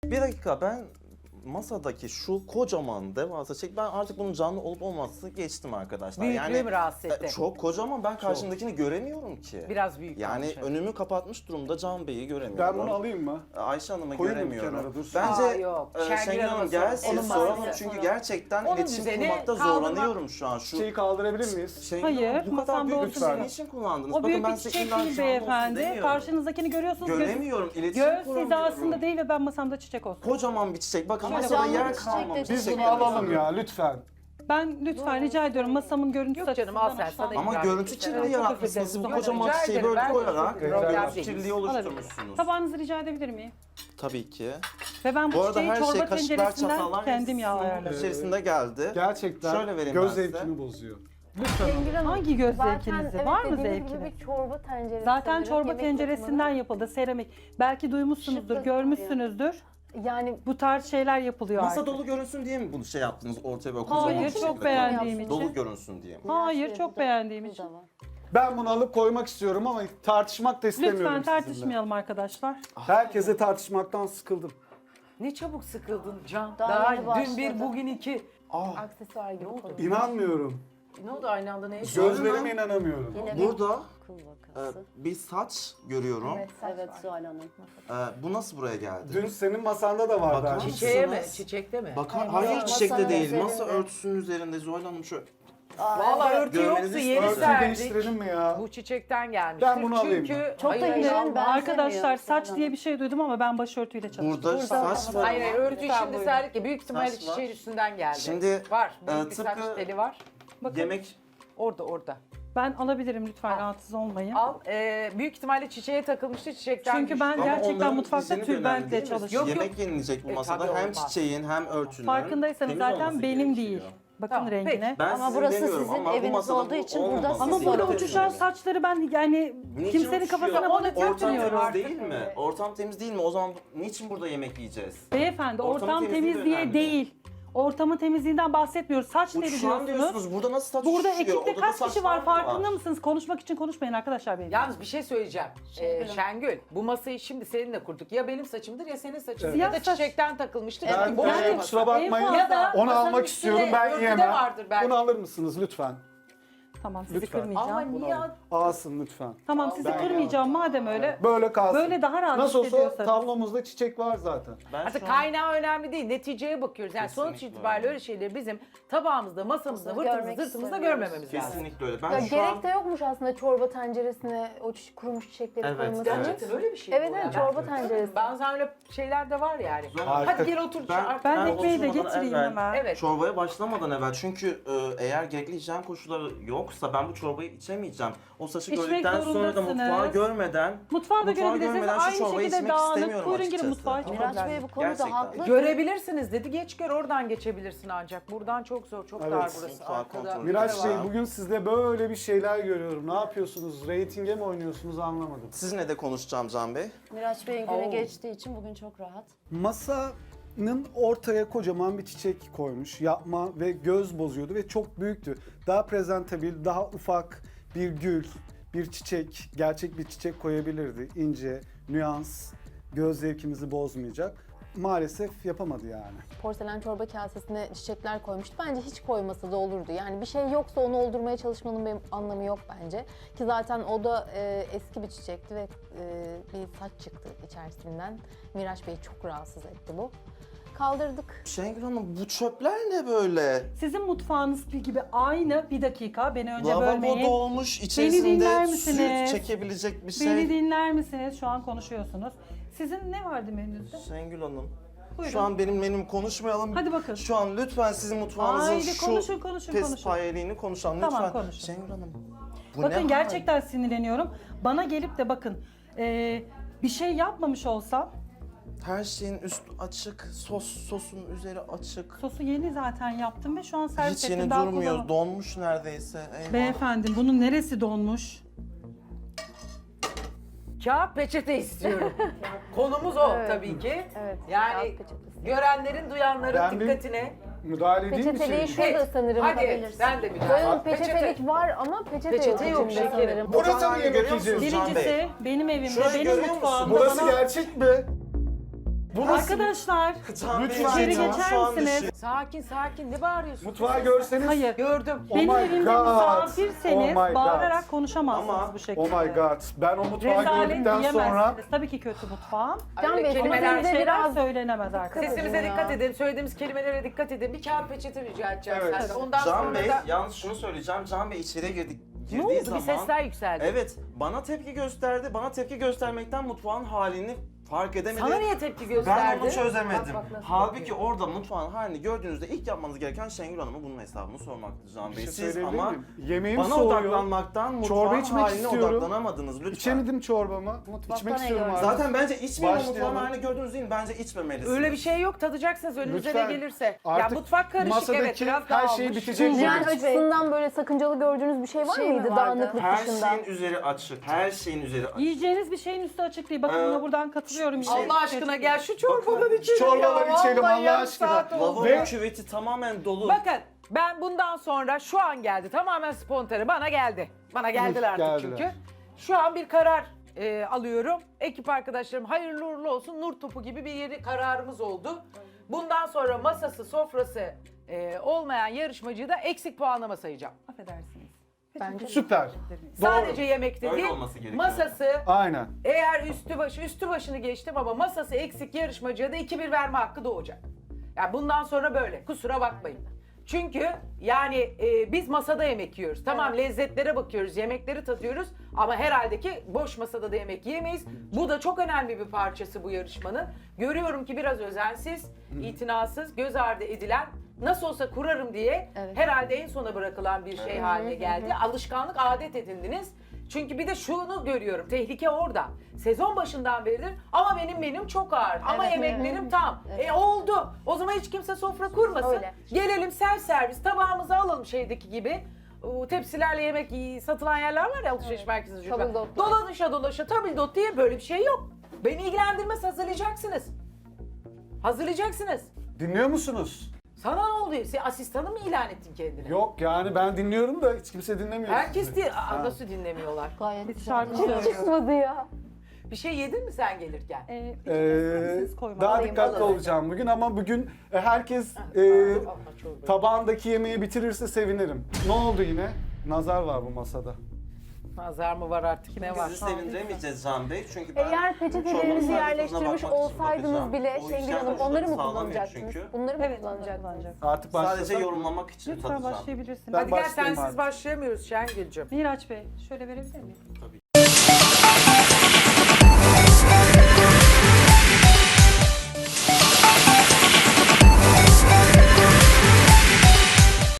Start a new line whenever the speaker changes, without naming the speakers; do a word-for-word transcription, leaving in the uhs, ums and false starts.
Bir dakika, ben masadaki şu kocaman devasa çek, ben artık bunun canlı olup olmaması geçtim arkadaşlar.
Büyüklüğü mü rahatsız etti?
e, Çok kocaman, ben karşımdakini göremiyorum ki.
Biraz büyük
Yani
kalmış, evet.
önümü kapatmış durumda, Can Bey'i göremiyorum.
Ben bunu alayım mı?
Ayşe Hanım'ı
Koyayım mı
göremiyorum.
kenara, dursun?
Bence
Aa, yok.
e,
Şengül
Şengül
Hanım'a
Hanım
soralım.
gelsin
Onun
soralım
masası.
çünkü gerçekten
Onun
iletişim
düzeni
kurmakta
kaldırmak-
zorlanıyorum şu an. Şu
Çiçeği kaldırabilir miyiz?
Şengül
Hayır,
Hanım, bu kadar
masamda
büyük
olsun
lütfen
diye.
niçin kullandınız?
O
Bakın
büyük
ben
bir
size
çiçek
illa
değil
şu an olsun
beyefendi.
demiyorum.
Karşınızdakini görüyorsunuz. Göz,
Göremiyorum, iletişim
göz
kuramıyorum.
hizasında değil ve ben masamda çiçek olsun.
Kocaman bir çiçek. Bakın
Ama
masada
canlı
yer
bir çiçek de
kalmamış.
Biz
Teşekkür
bunu
ederim.
alalım ya lütfen.
Ben lütfen rica ediyorum masamın görüntüsü
Yok canım, al sen,
açısından
sana
hoşlanmıyorum.
Ama
İkram
görüntü
edeceğim.
kirliliği
Evet, çok
yaratmışsınız.
özür
Bu
dilerim.
kocaman
Rica
çiçeği
ederim,
böyle
ben de
koyarak
çok problem
görüntü
değil.
kirliliği oluşturmuşsunuz.
Tabağınızı rica edebilir miyim?
Tabii ki.
Ve ben bu,
Bu arada
çiçeği
her şey
çorba
kaşıklar,
tenceresinden
çatallar
kendim
hepsi sunum
ayarladım.
içerisinde geldi.
Gerçekten
Şöyle vereyim ben
göz
size.
zevkini bozuyor.
Şengül Hanım,
Hangi göz
zaten
zevkinizi?
evet
Var mı
dediğiniz
zevkiniz?
gibi bir çorba tenceresi.
Zaten
sanırım,
çorba
yemek
tenceresinden
yapımının.
yapıldı, seramik. Belki duymuşsunuzdur,
Şıklık
görmüşsünüzdür.
Yani
Bu tarz şeyler yapılıyor
Masa
artık.
dolu görünsün diye mi bunu şey yaptınız ortaya böyle kocaman
Hayır,
bir
çok
şekilde
beğendiğim
koydunuz?
için.
Dolu görünsün diye mi?
Hayır,
Şey,
çok
bu da-
beğendiğim
bu
için.
da var.
Ben bunu alıp koymak istiyorum ama tartışmak da istemiyorum
Lütfen
sizinle.
tartışmayalım arkadaşlar.
Herkese tartışmaktan sıkıldım.
Ne çabuk sıkıldın Can.
Daha
Daha,
yeni
dün bir,
başladı.
bugün iki.
Ah,
Aksesuar gibi konu.
inanmıyorum.
Ne oldu aynı anda neye?
Gözlerime inanamıyorum.
Yine bir
Burada
kıl
e,
vakası.
bir saç görüyorum.
Evet, saç
Evet
var.
Zuhal Hanım.
E, bu nasıl buraya geldi?
Dün senin masanda da vardı.
Bakar
aynı.
Çiçeğe mi?
Mısınız?
Çiçekte mi?
Bakın
Hayır,
hayır
masanın
çiçekte değil.
üzerinde.
Masa örtüsünün üzerinde Zuhal Hanım şu.
Valla örtü
Görmenizi
yoktu, yeni
istiyorum.
Örtüyü
serdik.
değiştirelim mi ya?
Bu çiçekten gelmiştir.
Ben bunu alayım
Çünkü...
mı?
Çok da
Hayır, hayır,
indirim
alma.
ben-
Arkadaşlar saç
Benzemiyor.
diye bir şey duydum ama ben başörtüyle çalışıyorum.
Burada,
Burada-
saç var.
Hayır hayır, örtüyü
Lütfen
şimdi
buyurun.
serdik ya, büyük ihtimalle
Saç var.
çiçeğin üstünden geldi.
Şimdi,
var,
e,
büyük bir saç
tıpkı-
teli var.
Bakın
Yemek
Orada orada.
ben alabilirim lütfen
Al.
rahatsız olmayın.
Al, e, büyük ihtimalle çiçeğe takılmıştı, çiçekten
Çünkü
düştü.
ben
ama
gerçekten
onların
mutfakta
düzeni de önemli
tülbentle
değil mi?
çalışıyorum.
Yok, yok.
Yemek yenilecek bu
E,
masada.
tabii
Hem
olmaz.
çiçeğin hem örtünün
Farkındaysanız
temiz
zaten
olması
benim
gerekiyor.
değil. Bakın
Tamam,
rengine.
Ben
Ama
sizin
burası
demiyorum
sizin
ama bu
eviniz
masada
olduğu
bu
için burada
olmaması
Ama
siz
burada
gerekiyor.
uçuşan saçları ben yani
Niçin
kimsenin
uçuşuyor?
kafasına
Onu
bunu
takmıyorum.
Ortam
takmıyorum.
temiz değil mi? Ortam temiz değil mi? O zaman niçin burada yemek yiyeceğiz?
Beyefendi
Ortamın
ortam
temizliği
temiz
de
diye
önemli.
değil. Ortamın temizliğinden bahsetmiyoruz. Saç teli
Uçuşan
diyorsunuz.
diyorsunuz. Burada nasıl saç
Burada
uçuşuyor?
ekipte
Odada
kaç
saç
kişi var
mı
farkında mısınız? Konuşmak için konuşmayın arkadaşlar benim.
Yalnız bir şey söyleyeceğim. Ee,
Şengül.
Şengül, bu masayı şimdi seninle kurduk. Ya benim saçımdır ya senin saçındır.
Evet.
Ya da çiçekten takılmıştır.
Ben
Çünkü boş
yani
bir
kusura
masa.
bakmayın.
En fazla-
Onu
masanın
almak
üstünde
istiyorum. Ben
örtü de
yiyemem.
vardır belki.
Bunu alır mısınız lütfen?
Tamam sizi
Lütfen.
kırmayacağım.
Ama niye?
Alsın lütfen.
Tamam sizi
Ben
kırmayacağım madem öyle.
Böyle kalsın.
Böyle daha rahat
Nasıl olsa
hissediyorsanız.
tablomuzda çiçek var zaten.
Ben
Artık
şu an-
kaynağı önemli değil. Neticeye bakıyoruz. Yani sonuç
Kesinlikle
itibariyle
öyle.
öyle şeyleri bizim tabağımızda, masamızda,
Aslında
vırtımızda,
görmek
zırtımızda
istemiyoruz.
görmememiz lazım.
Kesinlikle öyle. Ben
Ya
şu
gerek
an
de yokmuş aslında çorba tenceresine o çi- kurumuş çiçekleri
Evet,
koyması.
Gerçekten öyle bir şey
Evet,
bu
evet,
ya.
çorba tenceresi.
Bazen öyle şeyler de var yani.
Harika.
Hadi gel otur.
Ben-
artık.
Ben
Ben
ekmeği de
oturmadan
getireyim
evvel-
hemen.
Evet.
çorbaya başlamadan evvel çünkü e, eğer gerekli hijyen koşulları yoksa ben bu çorbayı içemeyeceğim. O saçı
İçmek
gördükten sonra da
zorundasınız.
mutfağı görmeden
Mutfağı da
mutfağı
görebilirsiniz.
görmeden şu
Aynı
çorbayı
şekilde
içmek
dağınık.
istemiyorum
Buyurun girin
açıkçası.
mutfağa. Hiç
Miraç
problem
Bey bu
yok.
konuda
Gerçekten.
haklı.
Görebilirsiniz dedi. Geç gör, oradan geçebilirsin ancak. Buradan çok zor, çok
Evet.
dar burası.
Mutfağı
Arkada.
kontrol
Miraç Bey
Var.
bugün sizde böyle bir şeyler görüyorum. Ne yapıyorsunuz? Reytinge mi oynuyorsunuz anlamadım.
Sizinle de konuşacağım Can Bey.
Miraç Bey'in günü
Oo.
geçtiği için bugün çok rahat.
Masanın ortaya kocaman bir çiçek koymuş. Yapma ve göz bozuyordu ve çok büyüktü. Daha prezentabil, daha ufak bir gül, bir çiçek, gerçek bir çiçek koyabilirdi. İnce, nüans, göz zevkimizi bozmayacak. Maalesef yapamadı yani.
Porselen çorba kasesine çiçekler koymuştu. Bence hiç koymasa da olurdu. Yani bir şey yoksa onu oldurmaya çalışmanın bir anlamı yok bence. Ki zaten o da e, eski bir çiçekti ve e, bir saç çıktı içerisinden. Miraç Bey'i çok rahatsız etti bu. Kaldırdık.
Şengül Hanım bu çöpler ne böyle?
Sizin mutfağınız gibi aynı. Bir dakika beni önce
Lavabo
bölmeyin.
dolmuş,
dinler
içerisinde
misiniz?
süt çekebilecek bir şey.
Beni dinler misiniz? Şu an konuşuyorsunuz. Sizin ne vardı menünüzde?
Şengül Hanım.
Buyurun.
Şu an benim menüm konuşmayalım.
Hadi bakın.
Şu an lütfen sizin mutfağınızın
Haydi
şu
konuşun, konuşun, konuşun.
pespayeliğini konuşalım
Tamam,
lütfen.
konuşun.
Şengül Hanım. Bu
Bakın
ne
gerçekten sinirleniyorum. Bana gelip de bakın e, bir şey yapmamış olsam
hal? Her şeyin üstü açık, sos sosun üzeri açık.
sosu yeni zaten yaptım ve şu an servis
Hiç
ettim.
yeni
Daha
durmuyor,
kullanam-
donmuş neredeyse. Eyvah.
Beyefendi bunun neresi donmuş?
Kağıt peçete istiyorum. Konumuz o
Evet.
tabii ki.
Evet.
Yani
kağıt peçetesi.
görenlerin, duyanların
Ben bir-
dikkatine.
Müdahale edeyim mi
Peçeteliği
şey?
şurada sanırım.
Hadi
bakabilirsin.
ben de bir daha.
Böyle peçetelik var ama peçete,
Peçete
yok
yok,
içinde
şekerim.
sanırım.
Burada
Buradan
mı yemek
görüyor musunuz
yiyeceğiz?
Can Bey?
Birincisi benim evimde,
Şurayı
benim
görüyor
mutfağımda
musun?
Burası
bana...
gerçek mi?
Arkadaşlar
Can Bey,
Lütfen
içeri
ya.
şu
geçer
an
misiniz?
düşün-
Sakin sakin ne bağırıyorsun?
Mutfağı görseniz.
Hayır.
Gördüm.
Oh
Benim
my
evimde
God.
misafirseniz
Oh my God.
bağırarak konuşamazsınız
Ama-
bu şekilde.
Oh my god. Ben o mutfağı
Rezalet
gördükten
diyemezsiniz.
sonra
Tabii ki kötü mutfağım.
Can
Öyle
Bey
kelimeler-
siz de
Şeyler
biraz
söylenemez artık.
Sesimize
Ya.
dikkat edin, söylediğimiz kelimelere dikkat edin. Bir kağıt peçete rica edeceğim
Evet.
senden. Ondan
Can
sonra
Bey,
da
yalnız şunu söyleyeceğim. Can Bey içeriye girdik.
ne
Girdiği
oldu?
zaman,
Bir sesler yükseldi.
Evet, bana tepki gösterdi. Bana tepki göstermekten mutfağın halini fark edemedi.
Sana niye tepki
Ben
gösterdi?
onu çözemedim.
Bak, bak nasıl
Halbuki
bakıyor.
orada mutfağın halini gördüğünüzde ilk yapmanız gereken Şengül Hanım'a bunun hesabını sormaktı Can
bir
Bey.
şey
Siz
söyleyebilir
ama
miyim? Yemeğim
bana
soğuyor.
odaklanmaktan
Çorba
mutfağın
içmek
haline
istiyorum.
odaklanamadınız lütfen.
İçemedim çorbamı.
Mutfakta
İçmek
ne
istiyorum
gördün?
artık.
Zaten bence içmeyin o
Başlayalım.
mutfağın halini gördüğünüz değil, bence içmemelisiniz.
Öyle bir şey yok. Tadacaksınız önünüze
Lütfen.
ne gelirse. Ya
Artık
mutfak karışık
masadaki
evet biraz
her
dağılmış.
şey bitecek.
hijyen
Evet.
açısından böyle sakıncalı gördüğünüz bir şey var
Şey mi
mıydı
vardı?
dağınıklık
Her
dışında?
şeyin üzeri açık. Her şeyin üzeri açık.
Yiyeceğiniz bir şeyin üstü açık değil. Bakın
Ee,
buna buradan katılıyorum.
Allah aşkına gel şu çorbadan
Bakın,
içelim
çorbadan
ya.
içelim
Vallahi
Allah
yarım
aşkına.
saat oldu.
Lavabo
Ve-
küveti tamamen dolu.
Bakın ben bundan sonra şu an geldi tamamen spontane bana geldi. Bana geldiler artık
geldiler.
çünkü. Şu an bir karar e, alıyorum. Ekip arkadaşlarım hayırlı uğurlu olsun nur topu gibi bir yeri kararımız oldu. Bundan sonra masası sofrası e, olmayan yarışmacıyı da eksik puanlama sayacağım.
Affedersiniz.
Bence
Süper.
Sadece yemekte
Öyle
değil
olması gerekiyor.
masası
Aynen.
eğer üstü başı üstü başını geçtim ama masası eksik yarışmacıya da iki bir verme hakkı doğacak. Yani bundan sonra böyle kusura bakmayın. Çünkü yani e, biz masada yemek yiyoruz. Tamam lezzetlere bakıyoruz, yemekleri tadıyoruz ama herhalde ki boş masada da yemek yemeyiz. Bu da çok önemli bir parçası bu yarışmanın. Görüyorum ki biraz özensiz, itinasız, göz ardı edilen, nasıl olsa kurarım diye
Evet.
herhalde en sona bırakılan bir şey haline geldi. Alışkanlık, adet edindiniz. Çünkü bir de şunu görüyorum, tehlike orada. Sezon başından beridir ama benim menüm çok ağır, ama
Evet,
yemeklerim
evet.
tam.
Evet.
E oldu. O zaman hiç kimse sofra kurmasın.
Öyle.
Gelelim self servis, tabağımızı alalım şeydeki gibi. O tepsilerle yemek y- satılan yerler var ya alışveriş merkezinde. çocuklar.
Tabildot.
Dolaşa dolaşa tabildot diye böyle bir şey yok. Beni ilgilendirmez, hazırlayacaksınız. Hazırlayacaksınız.
Dinliyor musunuz?
Sana ne oluyor? Sen asistanı mı ilan ettin kendine?
Yok yani ben dinliyorum da hiç kimse dinlemiyor.
Herkes
sizi.
di- Aa,
Ha.
nasıl dinlemiyorlar?
gayet
Biz
güzel.
şarkı
Hiç
söylüyoruz.
çıkmadı ya.
Bir şey yedin mi sen gelirken?
Ee,
Ee,
siz koymayın.
daha
Alayım,
dikkatli
alayım.
olacağım bugün ama bugün e, herkes e,
Alma çorbayı.
tabağındaki yemeği bitirirse sevinirim. Ne oldu yine? Nazar var bu masada.
Nazar mı var artık ne var?
Bizi sevindiremeyeceğiz Can Bey çünkü ben
Eğer
bu
peçetelerinizi
çorbanın tadına
yerleştirmiş
bakmak için
olsaydınız
bakacağım.
bile
O
Şengül
hijyen
Hanım onları mı
koşulları sağlamıyor
kullanacaktınız?
çünkü.
Bunları mı
Evet,
kullanacaktınız?
kullanacağız.
Artık
Sadece
başlasak.
yorumlamak için
Lütfen
tadacağım.
başlayabilirsiniz.
Ben
Hadi gel
başlayayım
sensiz
artık.
başlayamıyoruz Şengül'cüm.
Miraç Bey şöyle verebilir miyim?
Tabii.